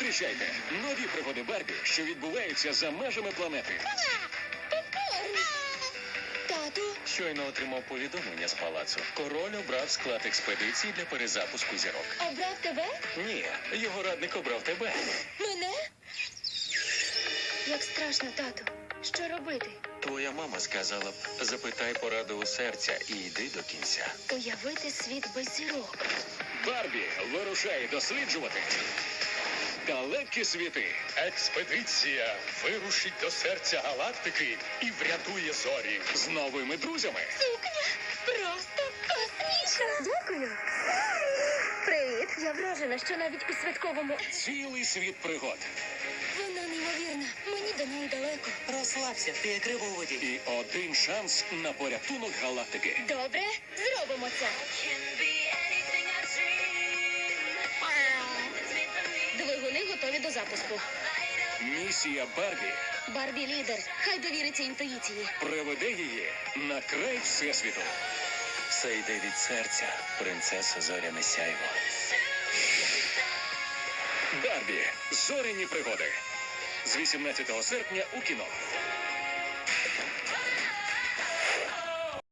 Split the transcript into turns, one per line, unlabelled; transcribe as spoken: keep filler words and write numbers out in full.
Зустрічайте нові пригоди Барбі, що відбуваються за межами планети.
Тату,
Щойно отримав повідомлення з палацу. Король обрав склад експедиції для перезапуску зірок.
обрав тебе?
Ні, його радник обрав тебе.
Мене? Як страшно, тату. Що робити?
Твоя мама сказала б, запитай пораду у серця і йди до кінця.
Уявити світ без зірок.
Барбі вирушає досліджувати далекі світи.
Експедиція вирушить до серця галактики і врятує зорі.
З новими друзями.
Сукня просто космічна. Дякую. Привіт. Я вражена, що навіть у святковому...
Цілий світ пригод.
Вона неймовірна. Мені до неї далеко.
Розслабся, ти як риба у воді.
І один шанс на порятунок галактики.
Добре, зробимо це. Двигуни готові до запуску.
Місія Барбі
Барбі лідер. Хай довіриться інтуїції.
приведе її на край Всесвіту. Все йде від серця, принцеса Зоряне сяйво. Барбі. Зоряні пригоди. З вісімнадцятого серпня у кіно.